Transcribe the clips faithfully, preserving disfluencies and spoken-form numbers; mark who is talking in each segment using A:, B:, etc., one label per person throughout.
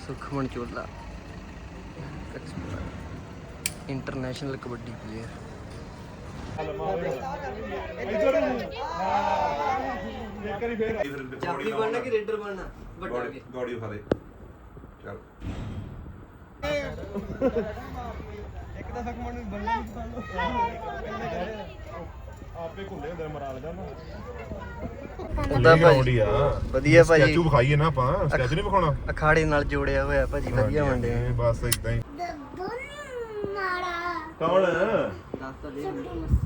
A: ਸੁਖਮਨ ਚੋਲਾ international kabaddi player. ਚਾਬੀ ਬਣਨਾ ਕਿ ਰੇਡਰ ਬਣਨਾ? ਵੱਡਾ ਕੇ
B: ਗੋੜੀ ਖਾ ਦੇ ਚੱਲ
C: ਇੱਕ ਤਾਂ ਸੁਖਮਨ ਨੂੰ ਬੰਨਣਾ ਆਪੇ ਘੁੰਡੇ ਹੁੰਦੇ ਮਰਾਲ ਦਾ ਨਾ
A: ਉਹਦਾ ਭਾਜੀ ਵਧੀਆ ਭਾਜੀ
B: ਸਟੈਚੂ ਵਿਖਾਈਏ ਨਾ ਆਪਾਂ ਸਟੈਚੂ ਨਹੀਂ ਵਿਖਾਉਣਾ
A: ਅਖਾੜੇ ਨਾਲ ਜੋੜਿਆ ਹੋਇਆ ਭਾਜੀ ਵਧੀਆ ਵੰਡਿਆ
B: ਬਸ ਇਦਾਂ ਹੀ ਕੌਣ
A: ਦੱਸ ਤਾਂ ਦੇ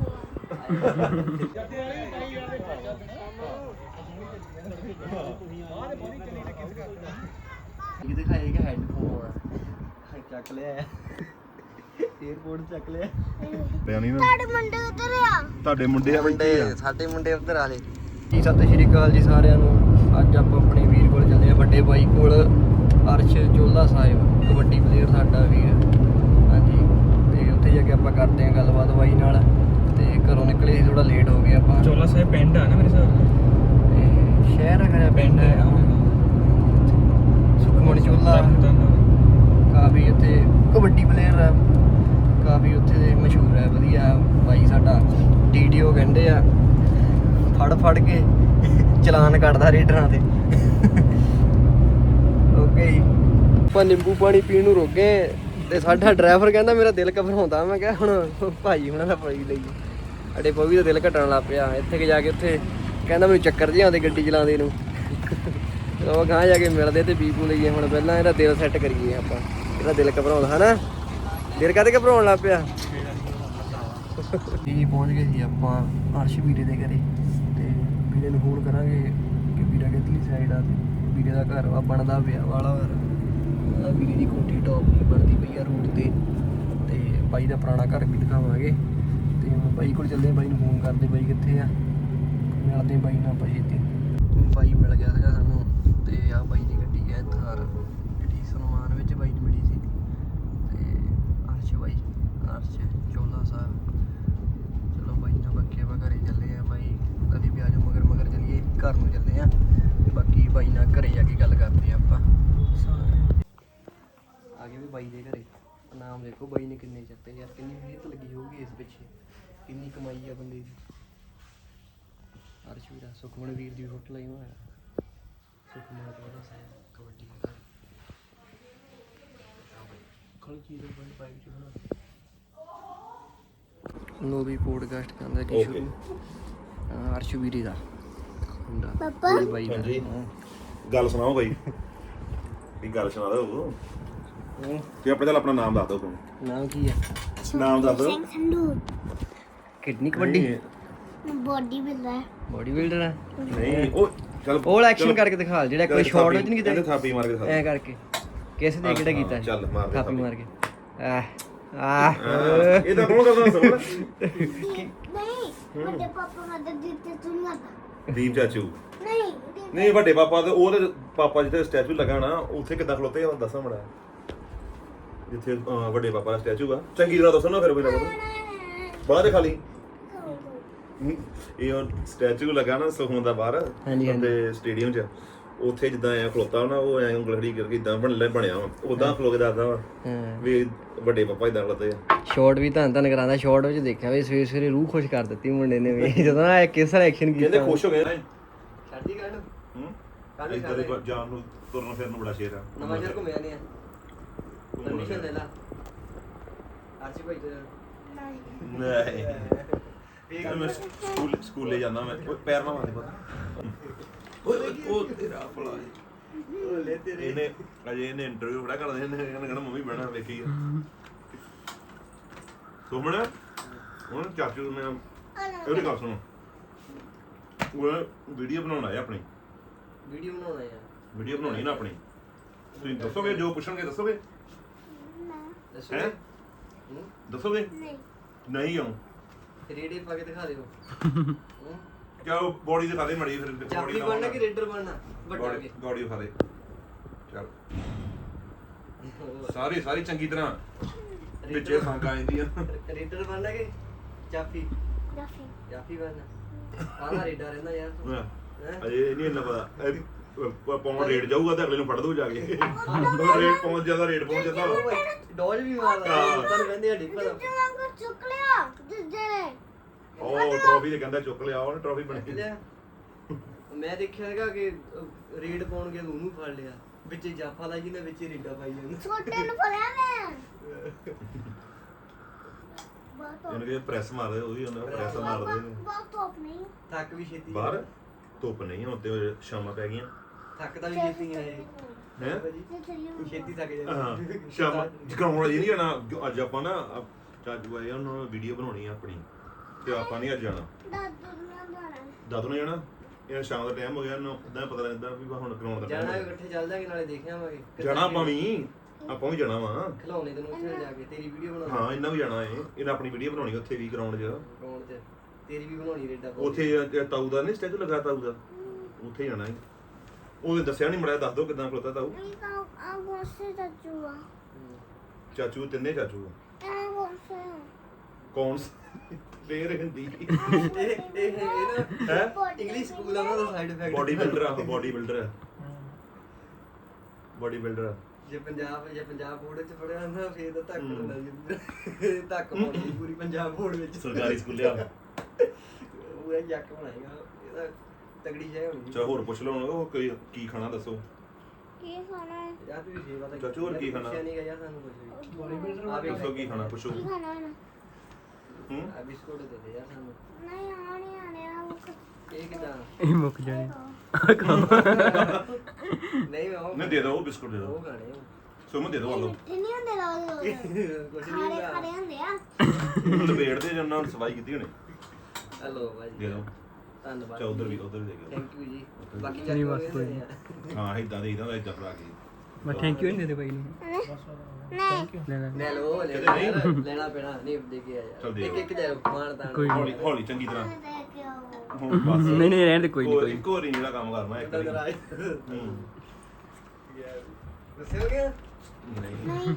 A: ਇਹ ਦਿਖਾਏ ਕਿ ਹੈਡਫੋਨ ਚੱਕ ਲਿਆ 에어ਪੋਰਟ ਚੱਕ ਲਿਆ
B: ਬਿਆਨੀ ਨਾ
D: ਤੁਹਾਡੇ ਮੁੰਡੇ ਉਧਰ ਆ
B: ਤੁਹਾਡੇ ਮੁੰਡੇ ਆ
A: ਮੁੰਡੇ ਸਾਡੇ ਮੁੰਡੇ ਉੱਧਰ ਆ ਲੈ ਜੀ। ਸਤਿ ਸ਼੍ਰੀ ਅਕਾਲ ਜੀ ਸਾਰਿਆਂ ਨੂੰ। ਅੱਜ ਆਪਾਂ ਆਪਣੇ ਵੀਰ ਕੋਲ ਚੱਲੇ ਆ, ਵੱਡੇ ਬਾਈ ਕੋਲ, ਅਰਸ਼ ਚੋਲਾ ਸਾਹਿਬ ਕਬੱਡੀ ਪਲੇਅਰ ਸਾਡਾ ਵੀਰ। ਹਾਂਜੀ, ਤੇ ਉੱਥੇ ਜਾ ਕੇ ਆਪਾਂ ਕਰਦੇ ਹਾਂ ਗੱਲਬਾਤ ਬਾਈ ਨਾਲ। ਤੇ ਘਰੋਂ ਨਿਕਲੇ ਸੀ ਥੋੜਾ ਲੇਟ ਹੋ ਗਏ ਆਪਾਂ।
C: ਚੋਲਾ ਸਾਹਿਬ ਪਿੰਡ ਆ ਨਾ ਮੇਰੇ ਹਿਸਾਬ ਨਾਲ,
A: ਤੇ ਸ਼ਹਿਰ ਹੈਗਾ ਪਿੰਡ ਹੈ ਸੁਖਮਨ ਚੋਲਾ। ਕਾਫੀ ਇੱਥੇ ਕਬੱਡੀ ਪਲੇਅਰ ਆ, ਕਾਫੀ ਉੱਥੇ ਦੇ ਮਸ਼ਹੂਰ ਹੈ, ਵਧੀਆ ਬਾਈ ਸਾਡਾ। ਟੀ ਡੀ ਓ ਕਹਿੰਦੇ ਆ, ਫੜ ਫੜ ਕੇ ਚਲਾਨ ਕੱਢਦਾ ਰੇਡਰਾਂ ਤੇ। ਓਕੇ ਜੀ, ਆਪਾਂ ਨਿੰਬੂ ਪਾਣੀ ਪੀਣ ਨੂੰ ਰੁਕ ਗਏ ਤੇ ਸਾਡਾ ਡਰਾਈਵਰ ਕਹਿੰਦਾ ਮੇਰਾ ਦਿਲ ਘਬਰਾਉਂਦਾ। ਮੈਂ ਕਿਹਾ ਹੁਣ ਭਾਈ ਹੁਣਾਂ ਦਾ ਪਾਈ ਲਈ, ਸਾਡੇ ਪਵੀ ਦਾ ਦਿਲ ਘਟਣ ਲੱਗ ਪਿਆ। ਇੱਥੇ ਕਿ ਜਾ ਕੇ ਉੱਥੇ ਕਹਿੰਦਾ ਮੈਨੂੰ ਚੱਕਰ ਜਿਹੇ ਆਉਂਦੇ ਗੱਡੀ ਚਲਾਉਂਦੇ ਨੂੰ। ਉਹ ਗਾਂ ਜਾ ਕੇ ਮਿਲਦੇ ਤੇ ਬੀਬੂ ਲਈਏ। ਹੁਣ ਪਹਿਲਾਂ ਇਹਦਾ ਦਿਲ ਸੈੱਟ ਕਰੀਏ ਆਪਾਂ, ਇਹਦਾ ਦਿਲ ਘਬਰਾਉਂਦਾ ਹੈ ਨਾ। ਦਿਲ ਕਾਹਦੇ ਘਬਰਾਉਣ ਲੱਗ ਪਿਆ ਜੀ। ਪਹੁੰਚ ਗਏ ਸੀ ਆਪਾਂ ਅਰਸ਼ ਵੀਰੇ ਦੇ ਘਰੇ ਤੇ ਵੀਰੇ ਨੂੰ ਫੋਨ ਕਰਾਂਗੇ ਕਿ ਵੀਰਾ ਕਿੱਧਰਲੀ ਸਾਈਡ ਆ। ਵੀਰੇ ਦਾ ਘਰ ਵਾ ਬਣਦਾ ਪਿਆ ਵਾਲਾ ਘਰ। ਵੀਰੇ ਦੀ ਕੋਠੀ ਟੌਪ ਦੀ ਬਣਦੀ ਪਈ ਆ ਰੋਡ ਤੇ। ਤੇ ਬਾਈ ਦਾ ਪੁਰਾਣਾ ਘਰ ਵੀ ਦਿਖਾਵਾਂਗੇ। ਤੇ ਬਾਈ ਕੋਲ ਚੱਲੇ, ਬਾਈ ਨੂੰ ਫੋਨ ਕਰਦੇ ਬਾਈ ਕਿੱਥੇ ਆ। ਮਿਲਦੇ ਬਾਈ ਨਾਲ ਬਾਈ ਇੱਥੇ। ਬਾਈ ਮਿਲ ਗਿਆ ਸੀਗਾ ਸਾਨੂੰ ਤੇ ਆ ਬਾਈ ਦੀ ਗੱਡੀ ਹੈ ਥਾਰ, ਜਿਹੜੀ ਸਨਮਾਨ ਵਿੱਚ ਬਾਈ ਨੂੰ ਮਿਲੀ ਸੀ। ਤੇ ਅਰਸ਼ ਬਾਈ, ਅਰਸ਼ ਚੋਲਾ ਸਾਹਿਬ। ਚਲੋ ਬਾਈ ਨਾਲ ਬਾਕੀ ਆਪਾਂ ਘਰੇ ਚੱਲੇ ਆ। ਬਾਈ ਕਦੀ ਵੀ ਆ ਜਾਓ, ਮਗਰ ਮਗਰ ਚੱਲੀਏ, ਘਰ ਨੂੰ ਚੱਲੇ ਆ। ਤੇ ਬਾਕੀ ਬਾਈ ਨਾਲ ਘਰੇ ਜਾ ਕੇ ਗੱਲ ਕਰਦੇ ਆ ਆਪਾਂ। ਆ ਗਏ ਵੀ ਬਾਈ ਦੇ ਘਰੇ। ਨਾਮ ਦੇਖੋ ਬਾਈ ਨੇ ਕਿੰਨੇ ਚੱਤੇ ਯਾਰ, ਕਿੰਨੀ ਮਿਹਨਤ ਲੱਗੀ ਹੋਊਗੀ ਇਸ ਪਿੱਛੇ, ਕਿੰਨੀ ਕਮਾਈ ਆ ਬੰਦੇ ਦੀ। ਅਰਸ਼ ਵੀਰਾ, ਸੁਖਮਨ ਵੀਰ ਦੀ ਫੋਟੋ ਲਈ ਹੋਇਆ। ਸੁਖਮਨ ਚੋਲਾ ਸਾਹਿਬ ਕਬੱਡੀ ਦਾ ਖਲ ਚੀਜ਼ ਬਣ ਪਾਈ ਚ ਬਣਾ ਲੋ ਵੀ ਪੋਡਕਾਸਟ ਕਰਦਾ ਕਿ ਸ਼ੁਰੂ। ਅਰਸ਼ ਵੀਰੇ ਦਾ ਮੁੰਡਾ
D: ਪਾਪਾ
A: ਬਾਈ ਦਾ।
B: ਹਾਂਜੀ। ਗੱਲ ਸੁਣਾਓ ਬਾਈ, ਕੀ ਗੱਲ ਸੁਣਾ ਦਿਓ ਤੇ ਆਪਣੇ ਚੱਲ ਆਪਣਾ ਨਾਮ ਦੱਸ ਦਿਓ।
A: ਨਾਮ ਕੀ ਹੈ?
B: ਨਾਮ ਦੱਸ ਦਿਓ।
D: Sandhu
A: kidney kabaddi
D: body builder
A: body builder ਹੈ।
B: ਨਹੀਂ ਉਹ ਚੱਲ
A: ਉਹ ਐਕਸ਼ਨ ਕਰਕੇ ਦਿਖਾ, ਜਿਹੜਾ ਕੋਈ ਸ਼ਾਟ ਵਿੱਚ ਨਹੀਂ ਕੀਤਾ
B: ਥਾਪੀ ਮਾਰ ਕੇ ਦਿਖਾ
A: ਐ ਕਰਕੇ। ਕਿਸ ਦੇ ਕਿਹੜਾ ਕੀਤਾ?
B: ਚੱਲ ਮਾਰ ਦੇ
A: ਥਾਪੀ ਮਾਰ ਕੇ। ਆ ਆ
B: ਇਹ ਤਾਂ ਕੌਣ ਕਰਦਾ ਸਭ
D: ਨਹੀਂ ਵੱਡੇ ਪਾਪਾ ਮਦਰ ਦਿੱਤੇ ਤੂੰ ਨਾ
B: ਦੀਪ ਚਾਚੂ
D: ਨਹੀਂ
B: ਨਹੀਂ ਵੱਡੇ ਪਾਪਾ ਤੇ ਉਹਦੇ ਪਾਪਾ ਜਿੱਥੇ ਸਟੈਚੂ ਲੱਗਾ ਨਾ ਉੱਥੇ ਕਿੱਦਾਂ ਖਲੋਤੇ ਆ ਦੱਸਾਂ ਮੜਾ। ਜਿੱਥੇ ਅਹ, ਵੱਡੇ ਪਾਪਾ ਦਾ ਸਟੈਚੂ ਆ, ਚੰਗੀ ਤਰ੍ਹਾਂ ਦੱਸੋ ਨਾ ਫਿਰ ਮੇਰਾ ਬਾਹਰ ਦੇ ਖਾਲੀ। ਇਹ ਸਟੈਚੂ ਲੱਗਾ ਨਾ ਸੁਖਮਨ ਦਾ ਬਾਹਰ ਤੇ ਸਟੇਡੀਅਮ 'ਚ, ਉੱਥੇ ਜਿੱਦਾਂ ਐ ਖਲੋਤਾ ਨਾ, ਉਹ ਐ ਉਂਗਲੜੀ ਕਰਕੇ ਇਦਾਂ ਬਣ ਬਣਿਆ ਵਾ, ਉਦਾਂ ਖਲੋ ਕੇ ਦੱਸਦਾ ਵਾ ਵੀ ਵੱਡੇ ਪਾਪਾ ਇਦਾਂ ਖਲੋਤੇ ਆ।
A: ਸ਼ਾਟ ਵੀ ਤਾਂ ਤਾਂ ਕਰਾਂਦਾ। ਸ਼ਾਟ ਵਿੱਚ ਦੇਖਿਆ ਵੀ ਸਵੇਰੇ ਸਵੇਰੇ ਰੂਹ ਖੁਸ਼ ਕਰ ਦਿੱਤੀ ਮੁੰਡੇ ਨੇ ਵੀ, ਜਦੋਂ ਨਾ ਕਿਸ ਤਰ੍ਹਾਂ ਐਕਸ਼ਨ ਕੀਤਾ।
B: ਕਹਿੰਦੇ ਖੁਸ਼ ਹੋ ਗਏ ਨਾ।
A: ਛੱਡੀ ਕੱਢ
B: ਹੂੰ ਇੱਧਰ ਦੇ ਜਾਨ ਨੂੰ ਤੁਰਨ ਫਿਰਨ ਨੂੰ ਬੜਾ ਸ਼ੇਰ ਆ।
A: ਨਵਾਂ ਸ਼ਹਿਰ ਘੁੰਮਿਆ ਨਹੀਂ ਆ। ਪਰਮਿਸ਼ਨ ਲੈ ਲਾ ਆਰਚੀ ਭਾਈ ਤੇ।
B: ਨਹੀਂ ਇਹ ਮੈਂ ਸਕੂਲ ਸਕੂਲੇ ਜਾਂਦਾ ਮੈਂ, ਪੈਰ ਨਾ ਮਾਰਦੇ ਪਤਾ। ਓਏ ਉਹ ਤੇਰਾ ਭਲਾ ਇਹਨੇ ਅਜੇ ਇਹਨੇ ਇੰਟਰਵਿਊ ਬੜਾ ਕਰਦੇ ਨੇ, ਇਹਨੇ ਕਹਿਣਾ ਮੰਮੀ ਬਣਾ ਵੇਖੀ ਸੁਮਣ। ਹੁਣ ਚਾਚੂ ਨੇ ਇਹਦੀ ਗੱਲ ਸੁਣੋ, ਉਹ ਵੀਡੀਓ ਬਣਾਉਣਾ ਹੈ ਆਪਣੀ।
A: ਵੀਡੀਓ ਬਣਾਉਣਾ ਹੈ?
B: ਵੀਡੀਓ ਬਣਾਉਣੀ ਨਾ ਆਪਣੀ। ਤੁਸੀਂ ਦੱਸੋਗੇ ਜੋ ਪੁੱਛਣਗੇ ਦੱਸੋਗੇ?
A: ਦੱਸੋ
B: ਹੈ ਦੱਸੋਗੇ?
D: ਨਹੀਂ
B: ਨਹੀਂ ਆਉਂ
A: ਰੇਡੇ ਪਾ ਕੇ ਦਿਖਾ ਦਿਓ।
B: ਕਿਆ ਬੋਡੀ ਦਿਖਾ ਦੇ ਮੜੀ ਫਿਰ।
A: ਚਾਬੀ ਬਣਨਾ ਕਿ ਰੇਡਰ ਬਣਨਾ? ਵੱਡਾ ਕੇ
B: ਗੋੜੀ ਦਿਖਾ ਦੇ ਚੱਲ। ਸਾਰੀ ਸਾਰੀ ਚੰਗੀ ਤਰ੍ਹਾਂ ਵਿੱਚੇ ਸੰਗ ਆ ਜਾਂਦੀ ਆ।
A: ਰੇਡਰ ਬਣਨਾ ਕਿ ਚਾਫੀ?
D: ਜਾਫੀ
A: ਚਾਫੀ ਬਣਨਾ। ਆਹ ਰੇਡਰ ਰਹਿੰਦਾ ਯਾਰ ਤੂੰ।
B: ਅਜੇ ਨਹੀਂ ਇੰਨਾ ਪਤਾ। ਪੌਂਡ ਰੇਟ ਜਾਊਗਾ ਤੇ ਅਗਲੇ ਨੂੰ ਫੜ ਦੂ ਜਾ ਕੇ ਰੇਟ ਪਹੁੰਚ ਜਾਂਦਾ ਰੇਟ ਪਹੁੰਚ ਜਾਂਦਾ ਵਾ।
A: ਡੋਜ ਵੀ ਮਾਰਦਾ
B: ਹਾਂ।
A: ਤੁਹਾਨੂੰ ਕਹਿੰਦੇ ਹੱਡੀ ਪਤਾ
D: ਦੂਜੇ ਵਾਂਗੂ ਚੁੱਕ ਲਿਆ ਦੂਜੇ ਨੇ
B: ਉਹ ਟਰੋਫੀ ਤੇ ਕਹਿੰਦਾ ਚੁੱਕ ਲਿਆ ਉਹਨੇ ਟਰੋਫੀ ਬਣ ਗਈ।
A: ਮੈਂ ਦੇਖਿਆ ਹੈਗਾ ਕਿ ਰੇਡ ਪਾਉਣ ਗਿਆ ਉਹਨੂੰ ਫੜ ਲਿਆ ਵਿੱਚ ਜਾਫਾ ਲਾਈ ਜਿਹਨੇ ਵਿੱਚ ਰੀਡਾ ਪਾਈ ਜਾਂਦਾ
D: ਛੋਟੇ ਨੂੰ ਫੜਿਆ ਮੈਂ ਬਹੁਤ
B: ਇਹਨੂੰ ਕਿ ਪ੍ਰੈਸ ਮਾਰਦੇ ਉਹ ਵੀ ਉਹਨਾਂ ਪ੍ਰੈਸ ਮਾਰਦੇ ਨੇ।
D: ਬਹੁਤ ਟੋਪ ਨਹੀਂ
A: ਥੱਕ ਵੀ ਛੇਤੀ
B: ਬਾਹਰ ਧੁੱਪ ਨਹੀਂ ਹੁਣ ਤੇ ਸ਼ਾਮਾਂ ਪੈ ਗਈਆਂ
A: ਥੱਕ ਤਾਂ ਵੀ ਛੇਤੀ ਆ ਇਹ
B: ਹੈ
A: ਤੂੰ ਛੇਤੀ ਥੱਕ
B: ਹਾਂ
A: ਜਾਂਦਾ
B: ਸ਼ਾਮਾਂ ਜਗਾਉਣ ਜੀ ਨਹੀਂ ਜਾਣਾ ਅੱਜ ਆਪਾਂ ਨਾ ਚਾਚੂ ਆਏ ਉਹਨਾਂ ਵੀਡੀਓ ਬਣਾਉਣੀ ਆ ਆਪਣੀ ਤੇ ਆਪਾਂ ਨਹੀਂ ਅੱਜ ਜਾਣਾ
D: ਦਾਦੂ ਨਾਲ ਜਾਣਾ
B: ਦਾਦੂ ਨੇ ਜਾਣਾ ਇਹ ਸ਼ਾਮ ਦਾ ਟਾਈਮ ਹੋ ਗਿਆ ਇਹਨੂੰ ਇਦਾਂ ਪਤਾ ਲੱਗਦਾ ਵੀ ਹੁਣ ਕਰਾਉਣ ਦਾ
A: ਜਾਣਾ
B: ਟਾਈਮ
A: ਇਕੱਠੇ ਚੱਲ ਜਾਾਂਗੇ ਨਾਲੇ ਦੇਖ ਆਵਾਂਗੇ
B: ਜਾਣਾ ਆਪਾਂ ਵੀ ਆਪਾਂ ਵੀ ਜਾਣਾ ਵਾ
A: ਖਿਲਾਉਣੇ ਤੈਨੂੰ ਉੱਥੇ ਜਾ ਕੇ ਤੇਰੀ ਵੀਡੀਓ ਬਣਾ
B: ਹਾਂ ਇਹਨਾਂ ਵੀ ਜਾਣਾ ਏ ਇਹਨਾਂ ਆਪਣੀ ਵੀਡੀਓ ਬਣਾਉਣੀ ਉੱਥੇ ਵੀ ਗਰਾਊਂਡ 'ਚ
A: ਕੌਣ ਤੇ ਤੇਰੀ ਵੀ ਬਣਾਉਣੀ ਰੇਡਾ
B: ਉੱਥੇ ਤਾਊ ਦਾ ਨਹੀਂ ਸਟੈਚੂ ਲੱਗਾ ਤਾਊ ਦਾ ਉੱਥੇ ਜਾਣਾ ਏ ਉਹਨੇ ਦੱਸਿਆ ਨਹੀਂ ਮੜਿਆ ਦੱਸ ਦੋ ਕਿਦਾਂ ਖਲੋਤਾ ਤਾਊ
D: ਇਹ ਤਾਂ ਆ ਗੋਸੇ ਚਾਚੂ ਆ
B: ਚਾਚੂ ਤਿੰਨੇ ਚਾਚੂ ਆ।
D: ਇਹ ਗੋਸੇ
B: ਕੌਣ ਫੇਰ ਹਿੰਦੀ
A: ਇਹ ਇਹ ਇਹ ਨਾ
B: ਹੈ
A: ਇੰਗਲਿਸ਼ ਸਕੂਲ ਆ ਉਹਨਾਂ ਦਾ ਸਾਈਡ ਇਫੈਕਟ
B: ਬੋਡੀ ਬਿਲਡਰ ਆ ਬੋਡੀ ਬਿਲਡਰ ਆ ਬੋਡੀ ਬਿਲਡਰ ਆ
A: ਜੇ ਪੰਜਾਬ ਜੇ ਪੰਜਾਬ ਬੋਰਡ ਚ ਪੜਿਆ ਹੁੰਦਾ ਫੇਰ ਤਾਂ ਧੱਕ ਹੁੰਦਾ ਜੀ ਧੱਕ ਪਾਉਂਦੀ ਪੂਰੀ ਪੰਜਾਬ ਬੋਰਡ ਵਿੱਚ
B: ਸਰਕਾਰੀ ਸਕੂਲੇ ਆ
A: ਪੂਰਾ ਜੱਕ ਬਣਾਏਗਾ ਇਹਦਾ ਤਗੜੀ ਜੈ ਹੋਣੀ
B: ਚਾ ਹੋਰ ਪੁੱਛ ਲਓ ਹੁਣ ਉਹ ਕੀ ਕੀ ਖਾਣਾ ਦੱਸੋ
D: ਕੀ ਖਾਣਾ ਹੈ
A: ਯਾਰ ਤੁਸੀਂ ਸੇਵਾ ਤਾਂ
B: ਚਾਚੂ ਹੋਰ ਕੀ ਖਾਣਾ?
A: ਪੁੱਛਿਆ ਨੀ ਗਾ ਯਾਰ ਸਾਨੂੰ ਕੁਝ ਵੀ ਆ ਵੀ
B: ਦੱਸੋ ਕੀ ਖਾਣਾ ਪੁੱਛੋ
D: ਕੀ ਖਾਣਾ ਹੈ
B: ਹੂੰ
A: ਆ ਬਿਸਕੁਟ ਦੇ ਦੇ ਯਾਰ ਸਾਨੂੰ
D: ਨਹੀਂ ਆਣੇ ਆਣੇ ਆ ਉਹ
A: ਇਹ ਕਿਦਾਂ
C: ਇਹ ਮੁੱਕ ਜਾਣੇ
A: ਨਹੀਂ ਮੈਂ ਉਹ
B: ਨਹੀਂ ਦੇ ਦੋ ਉਹ ਬਿਸਕੁਟ ਦੇ
A: ਉਹ
B: ਦੋ
A: ਖਾਣੇ
B: ਸੁਮਨ ਦੇ ਦੋ ਆਲੋ
D: ਮਿੱਠੇ ਨਹੀਂ ਹੁੰਦੇ ਲੋਕ
A: ਕੁਝ
D: ਖਾਰੇ
A: ਨਹੀਂ
D: ਖਾਰੇ ਹੁੰਦੇ ਆ
B: ਲਪੇੜਦੇ ਜੰਨਾਂ ਨੂੰ ਸਫਾਈ ਕੀਤੀ ਹੋਣੀ
A: ਹਲੋ ਭਾਈ
B: ਦੇ ਦੋ
A: ਧੰਨਵਾਦ
B: ਚਾ ਉਧਰ ਵੀ ਉਧਰ ਵੀ ਦੇ ਗਿਆ
A: ਥੈਂਕ ਯੂ ਜੀ ਬਾਕੀ
C: ਨਹੀਂ,
A: ਚੱਕ
C: ਬਸ ਕੋਈ ਨਹੀਂ।
B: ਹਾਂ ਇਦਾਂ ਦੇ ਇਦਾਂ ਇਦਾਂ ਫੜਾ ਕੇ
C: ਮੈਂ ਥੈਂਕ ਯੂ ਨਹੀਂ ਦੇਦੇ ਭਾਈ ਨੂੰ
D: ਨਹੀਂ
C: ਲੈ ਲੈ
A: ਲੈ ਲਓ ਲੈ
B: ਕਿਤੇ ਨਹੀਂ?
A: ਯਾਰ, ਲੈਣਾ ਪੈਣਾ ਨਹੀਂ ਦੇ ਕੇ ਆ
B: ਚੱਲ
A: ਯਾਰ
B: ਦੇ
A: ਇੱਕ ਇੱਕ ਦੇ ਮਾਨ ਤਾਂ
C: ਕੋਈ
B: ਹੌਲੀ ਹੌਲੀ ਚੰਗੀ ਤਰ੍ਹਾਂ
D: ਦੇ ਕੇ ਆਓ
B: ਹੁਣ ਬਸ
C: ਨਹੀਂ ਨਹੀਂ ਰਹਿਣ ਦੇ ਕੋਈ ਨਹੀਂ ਕੋਈ
B: ਇੱਕ ਹੋਰ ਹੀ ਜਿਹੜਾ ਕੰਮ ਕਰਨਾ ਇੱਕ ਵਾਰੀ।
A: ਰਾਜ
B: ਹੂੰ
A: ਦੱਸੇ ਹੋ ਗਿਆ
B: ਨਹੀਂ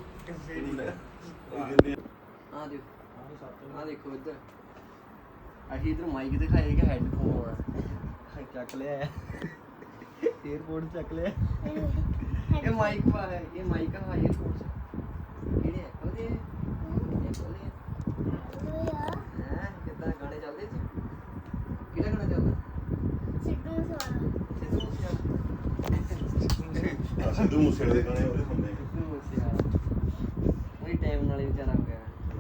A: ਆ ਦੇਖੋ ਆ ਦੇਖੋ ਇੱਧਰ ਅਸੀਂ ਇਧਰ ਮਾਈਕ ਦਿਖਾਏ ਕਿ ਹੈੱਡਫੋਨ ਆ ਚੱਕ ਲਿਆ 에어ਪੋਰਟ ਚੱਕ ਲਿਆ ਇਹ ਮਾਈਕ ਪਾ ਹੈ ਇਹ ਮਾਈਕ ਆ 에어ਪੋਰਟ ਕਿਹੜੇ ਆ ਉਹਦੇ ਇਹ ਉਹਦੇ ਹੈ ਕਿੱਦਾਂ ਗਾਣੇ ਚੱਲਦੇ ਸੀ ਕਿਹੜਾ ਗਾਣਾ ਚੱਲਦਾ
D: ਸਿੱਧੂ ਸਵਾਲ
A: ਸਿੱਧੂ
B: ਸਿੱਧੂ ਮੂਸੇਵਾਲੇ ਦੇ ਗਾਣੇ ਉਹਦੇ ਸੁਣਦੇ
A: ਸਿੱਧੂ ਮੂਸੇਵਾਲਾ ਉਹੀ ਟਾਈਮ ਨਾਲ ਹੀ ਵਿਚਾਰਾ ਹੋ ਗਿਆ